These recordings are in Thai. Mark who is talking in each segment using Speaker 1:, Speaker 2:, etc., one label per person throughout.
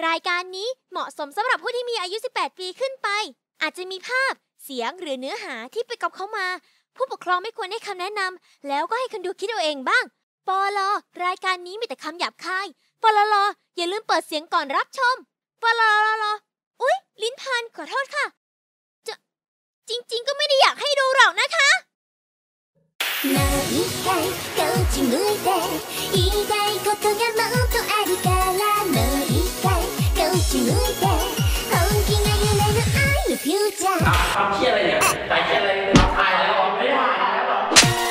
Speaker 1: รายการนี้เหมาะสมสำหรับผู้ที่มีอายุ 18 ปีขึ้นไปอาจจะมีภาพเสียงหรือเนื้อหาที่ไปกับเขามาผู้ปกครองไม่ควรให้คำแนะนำแล้วก็ให้คนดูคิดเอาเองบ้างปลรายการนี้มีแต่คำหยาบคายปลอย่าลืมเปิดเสียงก่อนรับชมปลอุ๊ยลิ้นพันขอโทษค่ะจริงๆก็ไม่ได้อยากให้ดูหรอกนะคะもう一回こっち向いて言いたいことがもっとあるからもう一回こっち向いて本気が夢の愛のフューチャー
Speaker 2: ทำเชี่ยอะไรเนี่ยใส่เชี่ยอะไรถ่ายแล้วไม่ได้ถ่ายแล้วหรอ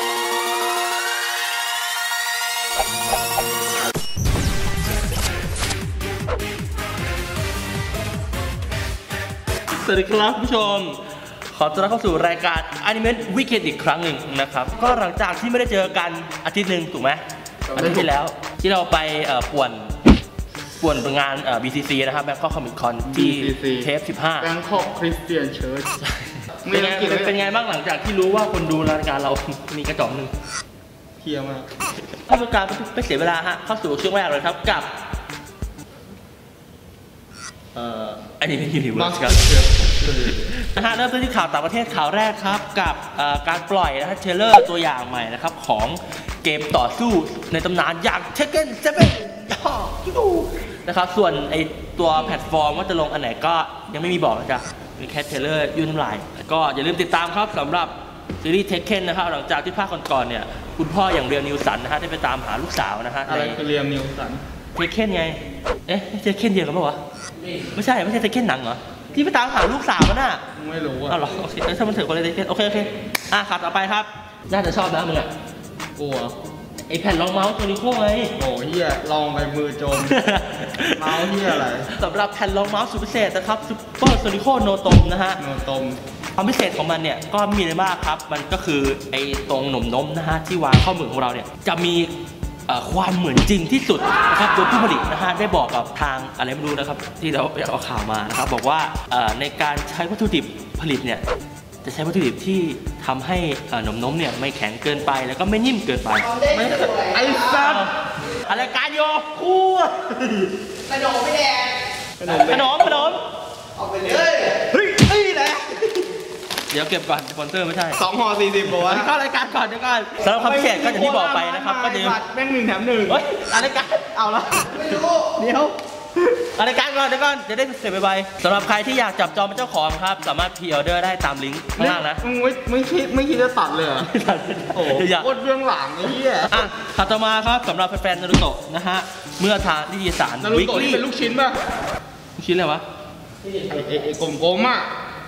Speaker 2: สวัสดีครับผู้ชมขอต้อนรับเข้าสู่รายการ Anime Weekend อีกครั้งหนึ่งนะครับก็หลังจากที่ไม่ได้เจอกันอาทิตย์หนึ่งถูกไหมอาทิตย์ที่แล้วที่เราไปป่วนงานBCC นะครับ Bangkok Comic Con ที่เทป 15
Speaker 3: Bangkok Christian Church
Speaker 2: เป็นไงบ้างหลังจากที่รู้ว่าคนดูรายการเรามีกระจอกหนึ่ง
Speaker 3: เพียมาก
Speaker 2: ถ้าต้องการไม่เสียเวลาฮะเข้าสู่ช่วงแรกเลยครับกับอันนี้เป็นยูนิเวิร์สครับนะฮะเริ่มต้นที่ข่าวต่างประเทศข่าวแรกครับกับการปล่อยนะฮะเทรลเลอร์ตัวอย่างใหม่นะครับของเกมต่อสู้ในตำนานอย่าง Tekken 7นะครับส่วนไอตัวแพลตฟอร์มว่าจะลงอันไหนก็ยังไม่มีบอกนะจ๊ะมีแค่เทรลเลอร์ยื่นน้ำลายก็อย่าลืมติดตามครับสำหรับซีรีส์ Tekken นะครับหลังจากที่ภาคก่อนๆเนี่ยคุณพ่ออย่างเรียลนิวสันนะฮะได้ไปตามหาลูกสาวนะฮะ
Speaker 3: อะไรคือเรียลนิวสัน
Speaker 2: Tekken ไงเทคเคนเดียวกันปะวะไม่ใช่เทคเคนหนังเหรอที่ไปตามหาลูกสาวมันน่ะ
Speaker 3: ไม่รู้อ่ะ
Speaker 2: อ๋อเหรอโอเคถ้ามันถึงคนเลยเทคเคนโอเคครับต่อไปครับน่าจะชอบนะมึงอ่ะ
Speaker 3: กลัว
Speaker 2: ไอแผ่นรองเมาส์โซนิโคไง
Speaker 3: โอ้เฮียลองไปมือจมเมาส์เฮียอะไร
Speaker 2: สำหรับแผ่นรองเมาส์สุดพิเศษนะครับซุปเปอร์โซนิโคโนตมนะฮะ
Speaker 3: โนตม
Speaker 2: ความพิเศษของมันเนี่ยก็มีอะไรบ้างครับมันก็คือไอตรงหนมนมนะฮะที่วางข้อมือของเราเนี่ยจะมีความเหมือนจริงที่สุดนะครับโดยผู้ผลิตนะฮะได้บอกกับทางอะไรไม่รู้นะครับที่เราเอาข่าวมานะครับบอกว่าในการใช้วัตถุดิบผลิตเนี่ยจะใช้วัตถุดิบที่ทำให้นมเนี่ยไม่แข็งเกินไปแล้วก็ไม่นิ่มเกินไป
Speaker 3: ไม่ไอ้สัส
Speaker 2: อะไรการโยคู่
Speaker 4: ขนมไม่แดง
Speaker 2: ขนม
Speaker 4: เอาไปเลย
Speaker 3: เฮ้ยแหละ
Speaker 2: เดี๋ยวเก็บก่อนสปอนเซอร์ไม่ใช่
Speaker 3: 2 ห่อ 40บอกว่า
Speaker 2: เข้ารายการก่อนเดี๋ยวก่อนสำหรับความพิเศษก็อย่างที่บอกไปนะครับก็จะ
Speaker 3: แม่ง1 แถม 1
Speaker 2: เฮ้ยรายการ
Speaker 3: เอาละ
Speaker 4: ไม่รู้
Speaker 3: เดี๋ยว
Speaker 2: รายการก่อนเดี๋ยวก่อนจะได้เสร็จไปสำหรับใครที่อยากจับจองเป็นเจ้าของครับสามารถพรีออเดอร์ได้ตามลิงก์ข้างล่างนะ
Speaker 3: ไม่คิดจะตัดเลยโอ้โหโคตรเบื้องหลังไอ้เหี้ย
Speaker 2: ถัดต่อมาครับสำหรับแฟนๆนารูโตะนะฮะเมื่อทางนิตยสาร
Speaker 3: นารูโตะนี่เป็นลูกชิ้นป่ะ
Speaker 2: ลูกชิ้นอะไรวะ
Speaker 3: ไอ้กลมๆอ่ะ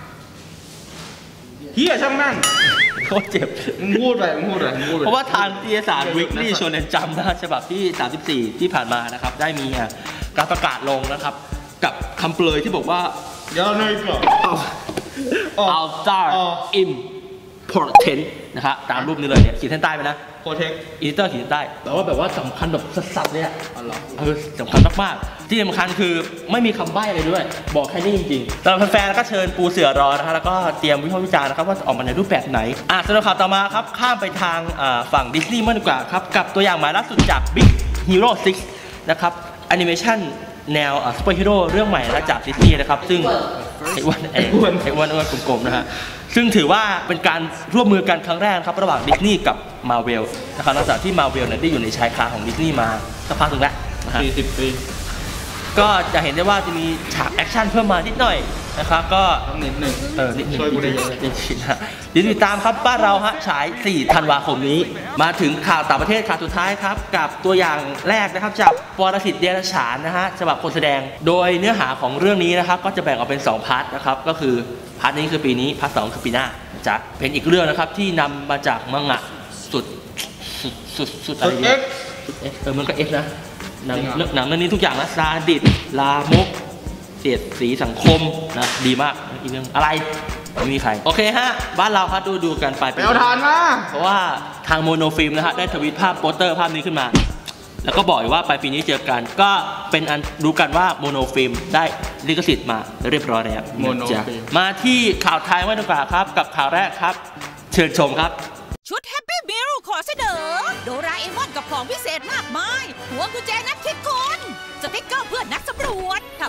Speaker 3: เฮียช่างนั่ง
Speaker 2: โคตรเจ็บ
Speaker 3: มึงพูดไป
Speaker 2: เพราะว่าทางนิตยสารวิกลี่โชเนนจัมป์นะฉบับที่34ที่ผ่านมานะครับได้มีการประกาศลงนะครับกับคำเปลยที่บอกว่า
Speaker 3: เดี๋ยวหน่อยก่อน
Speaker 2: Ultra Important นะครับตามรูปนี้เลยเนี่ยขีดเส้นใต้ไปนะ
Speaker 3: Protect
Speaker 2: อีดิเตอร์ขีดเส้นใต้แต่ว่าแบบว่าสำคัญแบบสัสๆเนี่ยสำคัญมากๆที่สำคัญคือไม่มีคำใบ้อะไรด้วยบอกแค่นี้จริงๆสำหรับแฟนๆก็เชิญปูเสือรอนะครับแล้วก็เตรียมวิพากษ์วิจารณ์นะครับว่าออกมาในรูปแบบไหนสำหรับข่าวต่อมาครับข้ามไปทางฝั่งดิสนีย์มากดีกว่าครับกับตัวอย่างใหม่ล่าสุดจาก Big Hero 6นะครับแอนิเมชันแนวซูเปอร์ฮีโร่เรื่องใหม่นะจากดิสนีย์นะครับซึ่งไอ้อ้วนกลมๆนะฮะซึ่งถือว่าเป็นการร่วมมือกันครั้งแรกครับระหว่างดิสนีย์กับมาเวลนะครับหลังจากที่มาเวลได้อยู่ในชายคาของดิสนีย์มาสักพักนึงแล้ว
Speaker 3: 40 ปี
Speaker 2: ก็จะเห็นได้ว่าจะมีฉากแอคชั่นเพิ่มมานิดหน่อยนะครับก็
Speaker 3: นิดหนึ่ง
Speaker 2: ช่วยกูได้เยอะติดตามครับบ้านเราฮะฉาย4 ธันวาคมนี้มาถึงข่าวต่างประเทศข่าวสุดท้ายครับกับตัวอย่างแรกนะครับจากปรสิตเดรัจฉานนะฮะฉบับคนแสดงโดยเนื้อหาของเรื่องนี้นะครับก็จะแบ่งออกเป็น2 พาร์ทนะครับก็คือพาร์ทนี้คือปีนี้พาร์ท 2คือปีหน้าจะเป็นอีกเรื่องนะครับที่นำมาจากมังงะสุดอะไรเนี่ยมันก็เอ็กนะหนังเรื่องนี้ทุกอย่างนะซาดิสลามกเสียดสีสังคมนะดีมากอีกเรื่องอะไรไม่มีใครโอเคฮะบ้านเราครับดูกันไป
Speaker 3: เอาทานมา
Speaker 2: เพราะว่าทางโมโนฟิล์มนะฮะได้ทวีตภาพโปสเตอร์ภาพนี้ขึ้นมาแล้วก็บอกว่าปลายปีนี้เจอกันก็เป็นอันรู้กันว่าโมโนฟิล์มได้ลิขสิทธิ์มาเรียบร้อยแล้วมาที่ข่าวไทยดีกว่าครับกับข่าวแรกครับเชิญชมครับ
Speaker 5: ชุดแฮปปี้มิลขอเสนอโดราเอมอนกับของพิเศษมากมายหัวกุญแจนักคิดคนสติ๊กเกอร์เพื่อนนักสำรวจถ้า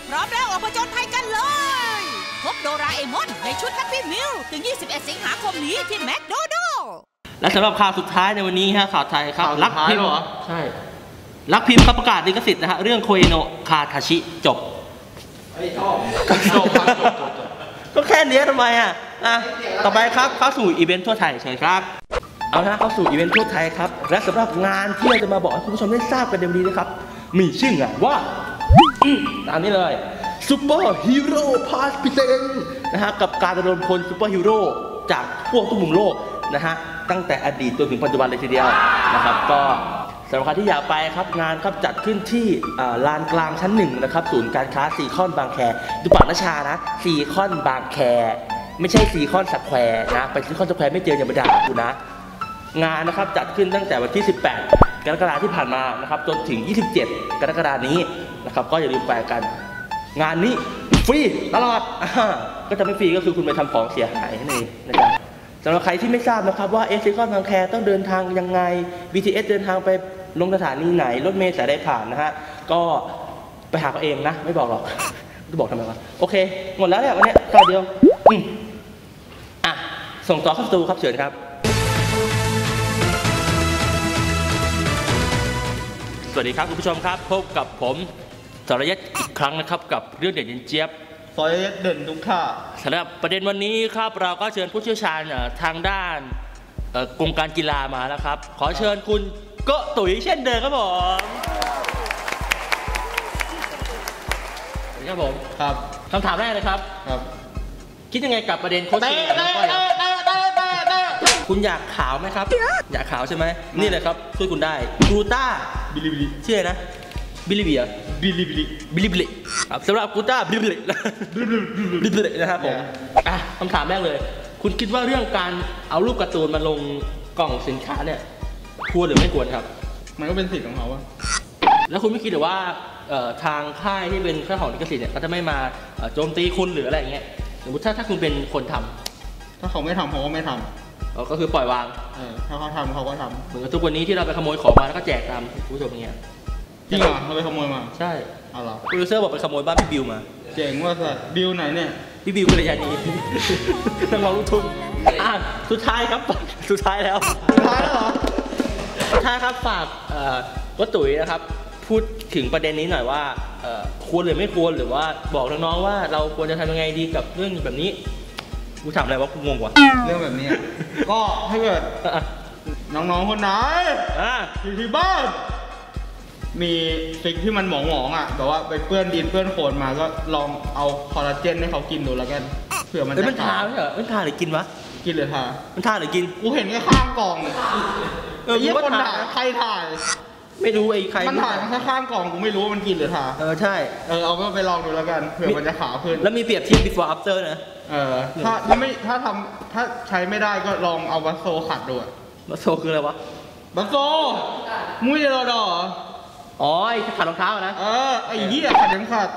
Speaker 5: พร้อมแล้วออกผจญภัยกันเลยพบโดราเอมอนในชุดแฮปปี้มิลถึง 21 สิงหาคมนี้ที่แมคโดนัลด์
Speaker 2: และสำหรับข่าวสุดท้ายในวันนี้ฮะข่าวไทยครับรักพิมพ์ใช่รักพิมพ์ครับประกาศลิขสิทธิ์นะฮะเรื่องโคเอโนะคาทาชิจบจบก็แค่นี้ทำไมอ่ะต่อไปครับเข้าสู่อีเวนต์ทั่วไทยเชิญครับเอาละเข้าสู่อีเวนต์ทั่วไทยครับและสำหรับงานที่เราจะมาบอกให้คุณผู้ชมได้ทราบกันเดี๋ยวนี้นะครับมีชื่องานว่าตามนี้เลยซูเปอร์ฮีโร่พาสพิเศษนะฮะกับการระดมพลซูเปอร์ฮีโร่จากทั่วทุกมุมโลกนะฮะตั้งแต่อดีตจนถึงปัจจุบันเลยทีเดียวนะครับก็สำหรับใครที่อยากไปครับงานครับจัดขึ้นที่ลานกลางชั้น1นะครับศูนย์การค้าซีคอนบางแคดูปากนชานะซีคอนบางแคไม่ใช่ซีคอนสแควร์นะไปซีคอนสแควร์ไม่เจออย่ามาด่ากูนะงานนะครับจัดขึ้นตั้งแต่วันที่18กรกฎาคมที่ผ่านมานะครับจนถึง27กรกฎาคมนี้นะครับก็อย่าลืมไปกันงานนี้ฟรีตลอดก็จะไม่ฟรีก็คือคุณไปทำของเสียหายนั่นเองนะครับสำหรับใครที่ไม่ทราบนะครับว่าซีคอนบางแคต้องเดินทางยังไง BTS เดินทางไปลงสถานีไหนรถเมล์สายใดผ่านนะฮะก็ไปหาเขาเองนะไม่บอกหรอกจะบอกทำไมวะโอเคหมดแล้วเนี่ยวันนี้ตอนเดียวส่งต่อเข้าสตูครับเชิญครับสวัสดีครับคุณผู้ชมครับพบกับผมสรยัตอีกครั้งนะครับกับเรื่องเด่นเย็นเจี๊ยบ
Speaker 3: สรยัตเด่นทุกข่า
Speaker 2: สำหรับประเด็นวันนี้ครับเราก็เชิญผู้เชี่ยวชาญทางด้านกรมการกีฬามาแล้วครับขอเชิญคุณโกตุ๋ยเช่นเดิมครับผมครับผม
Speaker 3: ครับ
Speaker 2: คำถามแรกเลยครับคิดยังไงกับประเด็นโค้ชชิงคุณอยากขาวไหมครับอยากขาวใช่ไหมนี่เลยครับช่วยคุณได้กรูต้า
Speaker 3: บิลิบิลิ
Speaker 2: ชื่ออะไรนะบิลิบิลิ
Speaker 3: บิลิบิลิ
Speaker 2: บิลิบิลิครับสำหรับกรูต้าบิลิบิลิบิลิบิลินะครับผมคำถามแรกเลยคุณคิดว่าเรื่องการเอารูปการ์ตูนมาลงกล่องสินค้าเนี่ยควรหรือไม่ควรครับ
Speaker 3: มันก็เป็นสิทธิ์ของเขาอะ
Speaker 2: แล้วคุณไม่คิดหรือว่าทางค่ายที่เป็นค่ายของลิขสิทธิ์เนี่ยเขาจะไม่มาโจมตีคุณหรืออะไรอย่างเงี้ยสมมติถ้าคุณเป็นคนทำ
Speaker 3: ถ้าเขาไม่ทำเขาก็ไม่ทำ
Speaker 2: ก็คือปล่อยวาง
Speaker 3: ถ้าเขาทำเขาก็ทำ
Speaker 2: เหมือนกับทุกวันนี้ที่เราไปขโมยของมาแล้วก็แจกตามผู้ชมอย่างเงี้ย
Speaker 3: จริงเหรอเราไปขโมยมา
Speaker 2: ใช่
Speaker 3: เอาเหรอ
Speaker 2: โปรดิวเซอร์บอกไปขโมยบ้านพี่บิวมา
Speaker 3: เจ๋งว่าสัตว์บิวไหนเนี่ย
Speaker 2: พี่บิวกัลยาณีนักร้องลูกทุ่งสุดท้ายครับสุดท้ายแล้ว
Speaker 3: เหรอ
Speaker 2: สุดท้ายครับฝากวัตถุยนะครับพูดถึงประเด็นนี้หน่อยว่าควรหรือไม่ควรหรือว่าบอกน้องๆว่าเราควรจะทำยังไงดีกับเรื่องแบบนี้กูถามอะไรวะกูงงว่ะ
Speaker 3: เรื่องแบบนี้ก็ถ้าเกิดน้องๆคนไหนอยู่ที่บ้านมีสิ่งที่มันหมองๆแบบว่าไปเปื้อนดินเปื้อนโคลนมาก็ลองเอาคอลลาเจนให้เขากินดูแล้วกันเผื่อมันจะ
Speaker 2: ทาไม่เหรอมันทาหรือกินวะ
Speaker 3: กินหรือทา
Speaker 2: มันทาหรือกิน
Speaker 3: กูเห็นแค่ข้างกล่องยี่คนถ่ายใครถ่าย
Speaker 2: ไม่รู้ไอ้ใคร
Speaker 3: มันถ่ายแค่ข้างกล่องกูไม่รู้ว่ามันกินหรือทา
Speaker 2: ใช่
Speaker 3: เอาก็ไปลองดูแล้วกันเผื่อมันจะขาวขึ้น
Speaker 2: แล้วมีเปรียบเทียบ before after นะ
Speaker 3: ถ้าใช้ไม่ได้ก็ลองเอาบัสโซขัดดู
Speaker 2: บัสโซคืออะไรวะ
Speaker 3: บัสโซมุ้ยรอดอ
Speaker 2: อ๋อไอ้ขัดรองเท้านะ
Speaker 3: ไอ้เหี้ยขัดยังขัด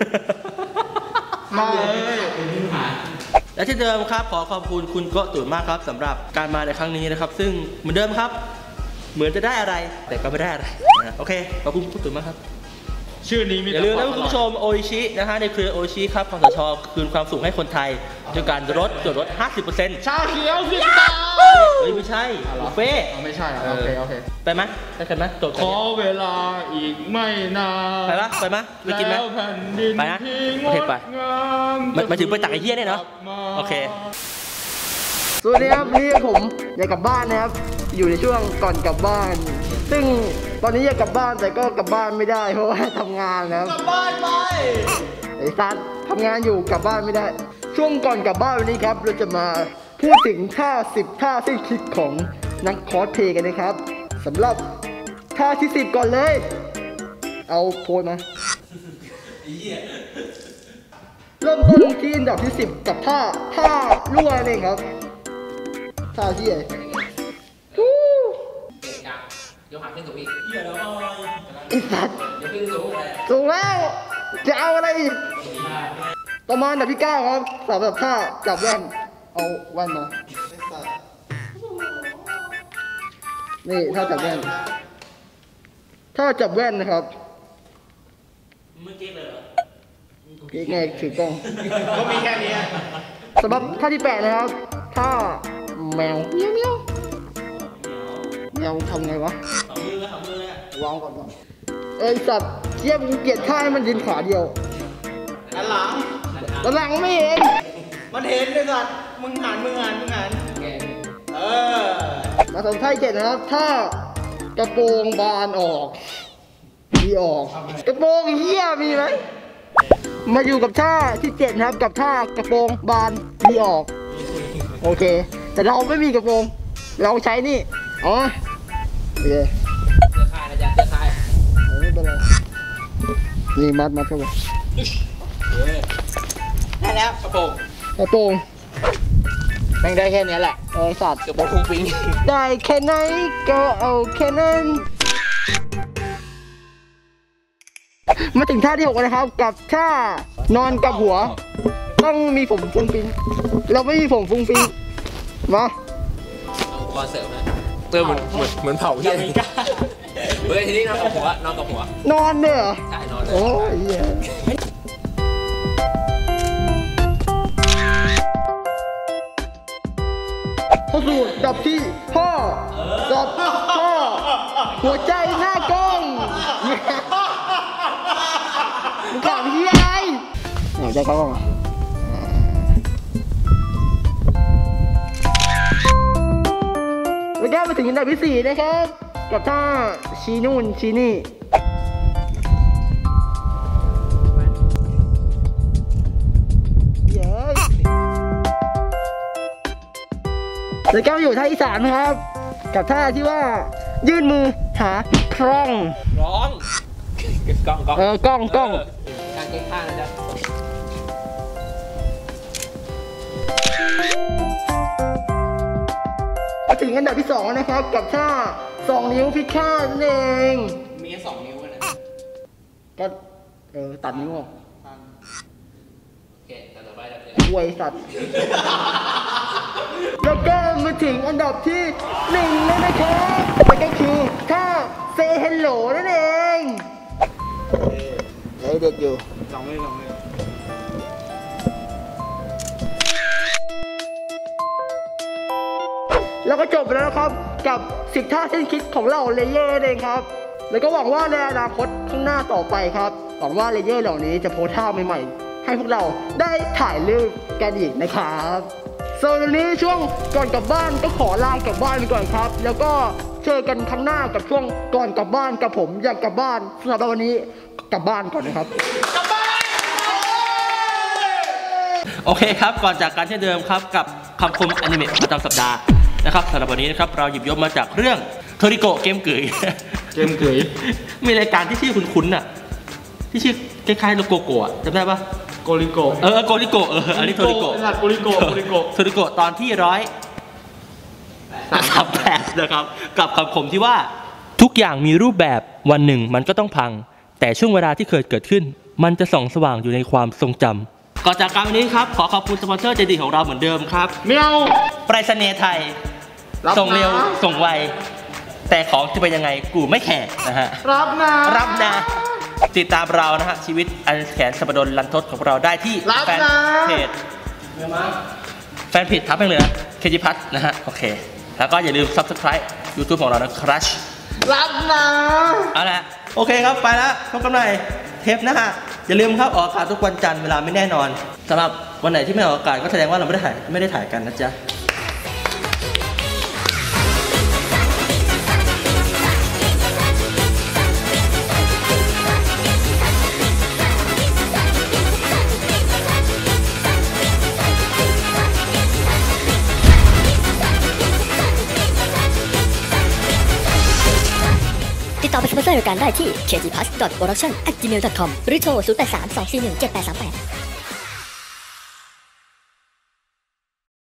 Speaker 3: มาเลย
Speaker 2: และที่เดิมครับขอขอบคุณคุณโกตุ๋ยมากครับสำหรับการมาในครั้งนี้นะครับซึ่งเหมือนเดิมครับเหมือนจะได้อะไรแต่ก็ไม่ได้อะไรโอเคขอบคุณคุณตุ๋ยมากครับ
Speaker 3: ชื่อนี้มี
Speaker 2: อย่าลืมนะคุณผู้ชมโออิชินะฮะในเครือโออิชิครับคสช.คืนความสุขให้คนไทยด้วยการลดส่วนลด 50%
Speaker 3: ชาเขียวสิตา
Speaker 2: ไม่ใช่บุฟเฟ่
Speaker 3: ไม่ใช่โอเค
Speaker 2: ไปไหมไปกันไหม
Speaker 3: ขอเวลาอีกไม่นาน
Speaker 2: ไปไหมไปกินไหมไปนะโอเคไปมาถึงไปตักไอ้เหี้ยเนี่ยเนาะโอเค
Speaker 6: สวัสดีครับนี่ผมอยากกลับบ้านนะครับอยู่ในช่วงก่อนกลับบ้านซึ่งตอนนี้อยากกลับบ้านแต่ก็กลับบ้านไม่ได้เพราะว่าทำงานนะครับ
Speaker 3: กลับบ้านไป
Speaker 6: ไอ้ซัดทำงานอยู่กลับบ้านไม่ได้ช่วงก่อนกลับบ้านวันนี้ครับเราจะมาพูดถึงท่า10ท่าสิ้นคิดของนักคอสเพลย์กันนะครับสำหรับท่าที่10ก่อนเลยเอาโพสมาเริ่มต้นที่อันดับที่10กับท่ารั่วนี่ครับท่าที่
Speaker 4: ยกขาขึ้นสูงอีก
Speaker 6: ไอ้สัตว์ยกขึ้นสูงแล้วจะเอาอะไรอีกประมาณอันดับที่9ครับสำหรับท่าจับแว่นเอาแว่นมานี่ท่าจับแว่นนะครับ
Speaker 2: มึงเก๊กเลยเหรอ
Speaker 6: ไงถือกล้อง
Speaker 3: ก็มีแค่นี้
Speaker 6: สำหรับท่าที่8นะครับท่าแมวเมียวเมียวแมวทำไงวะวางก่อนเอ้ยสัตว์เจี๊ยบกูเกลียดท่าให้มันยืนขาเดียว
Speaker 3: อันหลัง
Speaker 6: ตอนหลังไม่เห็น
Speaker 3: มันเห็นเลยสัตว์มึงหัน
Speaker 6: มาสองท่าที่7นะครับท่ากระโปรงบานออกดีออกกระโปรงเหี้ยมีไหมมาอยู่กับท่าที่7นะครับกับท่ากระโปรงบานดีออกโอเคแต่เราไม่มีกระโปรงเราใช้นี่อ๋อโอเค
Speaker 4: เสื้อคายนะจ๊ะเสื้อคาย
Speaker 6: ไม่เป็นไรนี่มัดเข้าไป
Speaker 4: ได้แล้วกระโปรง
Speaker 6: กระโปรงแม่งได้แค่นี้แหละไอ้สัตว์
Speaker 4: กระโปรงฟุ้งฟิ้ง
Speaker 6: ได้แค่ไหนก็เอาแค่นั้นมาถึงท่าที่6นะครับกับท่านอนกับหัวต้องมีผมฟุ้งฟิ้งเราไม่มีผมฟุ้งฟิ้งมา
Speaker 4: เอาอุปกรณ์เสริมนะเติมเหมือนเผาเฮียเฮ้ยทีนี้นอนกับหัวนอนกับหัวน
Speaker 6: อนเนี่ยเหรอ
Speaker 4: ใช่นอนเลย
Speaker 6: โอ้ยเหี้ยเข้าสู่ดับที่5ดับ5หัวใจหน้ากล้องมึงขำเฮียอะไรหัวใจเข้ากล้องอ่ะแล้วก็มาถึงอันดับที่4นะครับกับท่าชี้นู่นชี้นี่เย้แล้วก็มาอยู่ท่าที่3นะครับกับท่าที่ว่ายื่นมือหาคล้อง
Speaker 4: ร้องกล้อง
Speaker 6: กล้อง
Speaker 4: การเก็บผ้านะจ๊ะ
Speaker 6: มาถึงอันดับที่2นะครับกับท่า2 นิ้วพิฆาตนั่นเอง
Speaker 4: มีแค่2 นิ้วนะ
Speaker 6: ก็ตัดนิ้วออก
Speaker 4: โอเคแต่ต่อไปเราจะ
Speaker 6: อวยสัตว์ แล้วก็มาถึงอันดับที่1แล้วนะครับมันก็คือท่า Say Hello นั่นเองเด็ดอยู่แล้วก็จบไปแล้วนะครับกับ10ท่าสิ้นคิดของเราเลเยอร์เองครับแล้วก็หวังว่าในอนาคตข้างหน้าต่อไปครับหวังว่าเลเยอร์เหล่านี้จะโพสท่าใหม่ๆให้พวกเราได้ถ่ายรูปกันอีกนะครับส่วนวันนี้ช่วงก่อนกลับบ้านก็ขอลากลับบ้านไปก่อนครับแล้วก็เจอกันครั้งหน้ากับช่วงก่อนกลับบ้านกับผมอยากกลับบ้านสำหรับวันนี้กลับบ้านก่อนนะครับ
Speaker 2: โอเคครับก่อนจากการเช่นเดิมครับกับคำคมอนิเมะประจำสัปดาห์นะครับสำหรับวันนี้นะครับเราหยิบยกมาจากเรื่องโทริโกะเกมเกย มีรายการที่ชื่อคุ้นๆน่ะที่ชื่อคล้ายๆโลโกโกะจำได้ปะ
Speaker 3: โกริโกะ
Speaker 2: โกริโกะอันนี้โทริโกะ
Speaker 3: โกริโกะ
Speaker 2: โทริโกะตอนที่138นะครับกับคำคมที่ว่าทุกอย่างมีรูปแบบวันหนึ่งมันก็ต้องพังแต่ช่วงเวลาที่เคยเกิดขึ้นมันจะส่องสว่างอยู่ในความทรงจำก่อนจากการวันนี้ครับขอขอบคุณสปอนเซอร์ใจดีของเราเหมือนเดิมครับ
Speaker 3: เมียว
Speaker 2: ไปรษณีย์ไทยส่งเร็วส่งไวแต่ของจะเป็นยังไงกูไม่แคร์นะฮะรับนะติดตามเรานะฮะชีวิตอันแสนสัปดนลันทดของเราได้ที่แฟนเพจทับไปเลยนะเคจิพัทนะฮะโอเคแล้วก็อย่าลืม Subscribe YouTube ของเรานะครับรับนะเอาละโอเคครับไปแล้วพบกันใหม่เทปหน้าอย่าลืมครับออกอากาศทุกวันจันทร์เวลาไม่แน่นอนสำหรับวันไหนที่ไม่ออกอากาศก็แสดงว่าเราไม่ได้ถ่ายกันนะจ๊ะ
Speaker 7: ติดต่อเป็นสปอนเซอร์รายการได้ที่ kgpass.production@gmail.com หรือโทร 0832417838